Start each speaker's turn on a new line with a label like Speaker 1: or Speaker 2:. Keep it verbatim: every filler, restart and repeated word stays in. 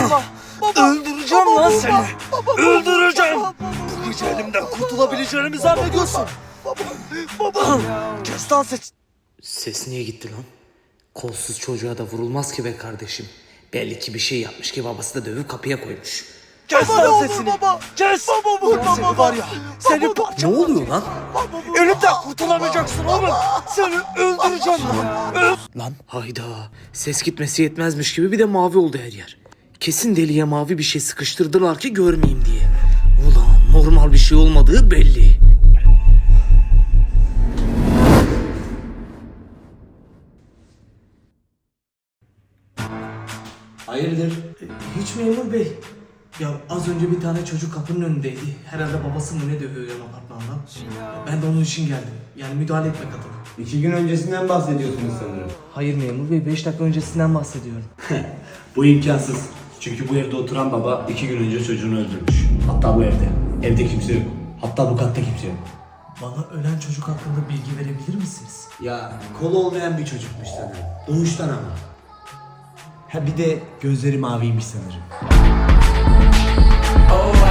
Speaker 1: Baba, baba, öldüreceğim
Speaker 2: baba,
Speaker 1: lan
Speaker 2: baba,
Speaker 1: seni.
Speaker 2: baba,
Speaker 1: Öldüreceğim.
Speaker 2: baba,
Speaker 1: Bu gece elimden kurtulabileceğini zannediyorsun.
Speaker 2: baba, baba.
Speaker 1: Kes lan ses.
Speaker 3: Ses niye gitti lan? Kolsuz çocuğa da vurulmaz ki be kardeşim. Belli ki bir şey yapmış ki babası da dövüp kapıya koymuş.
Speaker 1: Kes
Speaker 2: Baba, ne
Speaker 1: lan
Speaker 2: olur
Speaker 1: sesini.
Speaker 2: baba.
Speaker 1: Kes.
Speaker 2: Baba, vurma
Speaker 1: Ulan seni
Speaker 2: baba.
Speaker 1: var ya. Seni
Speaker 2: Baba,
Speaker 3: Ne
Speaker 1: parçalarım.
Speaker 3: oluyor lan?
Speaker 2: Baba, vurma.
Speaker 1: Elimden kurtulamayacaksın oğlum. Seni öldüreceğim lan. Öl-
Speaker 3: Lan hayda. Ses gitmesi yetmezmiş gibi bir de mavi oldu her yer. Kesin deliye mavi bir şey sıkıştırdılar ki görmeyeyim diye. Ulan normal bir şey olmadığı belli.
Speaker 4: Hayırdır?
Speaker 3: Hiç memur bey. Ya az önce bir tane çocuk kapının önündeydi. Herhalde babası mı ne dövüyor yan apartmandan. Ben de onun için geldim. Yani müdahale etmek adına.
Speaker 4: İki gün öncesinden bahsediyorsunuz sanırım.
Speaker 3: Hayır memur bey, beş dakika öncesinden bahsediyorum.
Speaker 4: Bu imkansız. Çünkü bu evde oturan baba iki gün önce çocuğunu öldürmüş. Hatta bu evde. Evde kimse yok. Hatta bu katta kimse yok.
Speaker 3: Bana ölen çocuk hakkında bilgi verebilir misiniz?
Speaker 4: Ya kolu olmayan bir çocukmuş sanırım. Doğuştan ama. Ha bir de gözleri maviymiş sanırım.
Speaker 5: Oh,